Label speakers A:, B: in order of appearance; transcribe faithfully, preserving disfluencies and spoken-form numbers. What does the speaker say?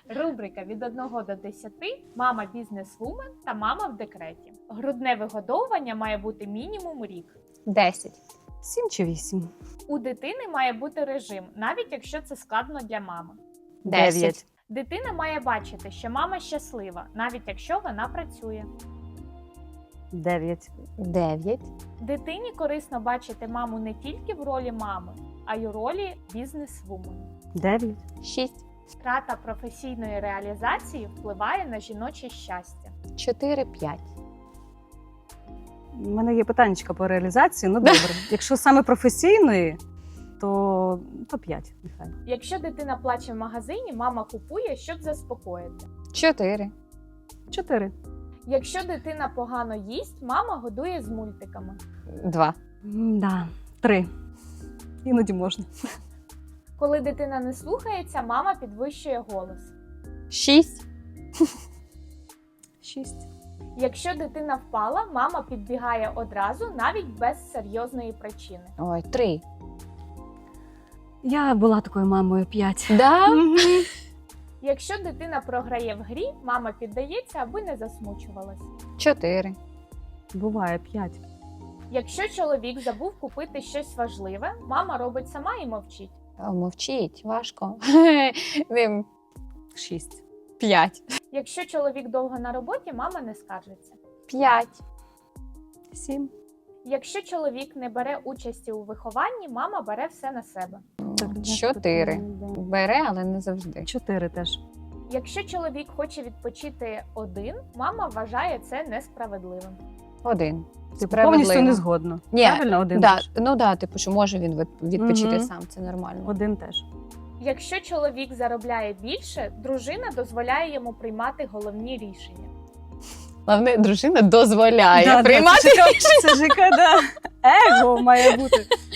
A: Рубрика від одного до десяти «Мама бізнес-вумен» та «Мама в декреті». Грудне вигодовування має бути мінімум рік.
B: Десять.
C: Сім чи вісім?
A: У дитини має бути режим, навіть якщо це складно для мами.
B: Десять.
A: Дитина має бачити, що мама щаслива, навіть якщо вона працює.
C: Дев'ять.
B: Дев'ять.
A: Дитині корисно бачити маму не тільки в ролі мами, а й у ролі бізнес-вумен.
C: Дев'ять.
B: Шість.
A: Втрата професійної реалізації впливає на жіноче щастя.
B: Чотири, п'ять.
C: У мене є питаннячка по реалізації. Ну добре. Якщо саме професійної, то, то п'ять. Нехай.
A: Якщо дитина плаче в магазині, мама купує, щоб заспокоїти.
B: Чотири.
C: Чотири.
A: Якщо дитина погано їсть, мама годує з мультиками.
B: Два.
C: Да. Три. Іноді можна.
A: Коли дитина не слухається, мама підвищує голос.
B: Шість.
C: Шість.
A: Якщо дитина впала, мама підбігає одразу, навіть без серйозної причини.
B: Ой, три.
C: Я була такою мамою. П'ять.
B: Да?
C: Мгм.
A: Якщо дитина програє в грі, мама піддається, аби не засмучувалась.
B: Чотири.
C: Буває п'ять.
A: Якщо чоловік забув купити щось важливе, мама робить сама і мовчить.
B: О, мовчіть, важко. Ним.
C: Шість.
B: П'ять.
A: Якщо чоловік довго на роботі, мама не скаржиться.
B: П'ять.
C: Сім.
A: Якщо чоловік не бере участі у вихованні, мама бере все на себе.
B: Чотири. Бере, але не завжди.
C: Чотири теж.
A: Якщо чоловік хоче відпочити один, мама вважає це несправедливим.
B: Один.
C: Типу, повністю не згодно.
B: Ні,
C: Правильно, один
B: да,
C: теж.
B: ну да, типу, що може він від- відпочити
C: Мгм.
B: сам, це нормально.
C: Один теж.
A: Якщо чоловік заробляє більше, дружина дозволяє йому приймати головні рішення.
B: Головне, дружина дозволяє
C: Да, да,
B: приймати.
C: Це ж яка, це ж яка, да. Его має бути.